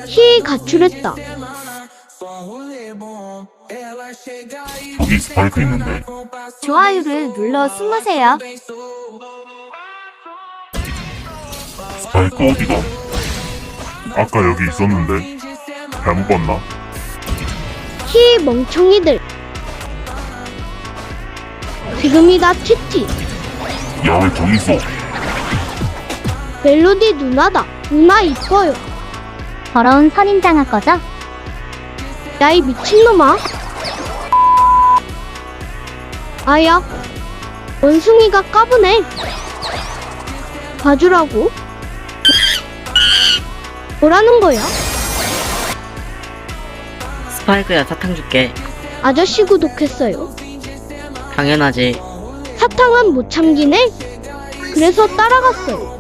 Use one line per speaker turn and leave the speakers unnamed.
히 가출했다.
저기 스파이크 있는데.
좋아요를 눌러 숨으세요.
스파이크 어디가? 아까 여기 있었는데. 잘못 봤나?
히 멍청이들. 지금이다 티티.
야, 왜 저기 있어?
멜로디 누나다. 누나 이뻐요.
더러운 선인장아 꺼져.
야 이 미친놈아. 아야. 원숭이가 까부네. 봐주라고. 뭐라는 거야?
스파이크야, 사탕 줄게.
아저씨 구독했어요.
당연하지.
사탕은 못 참기네. 그래서 따라갔어요.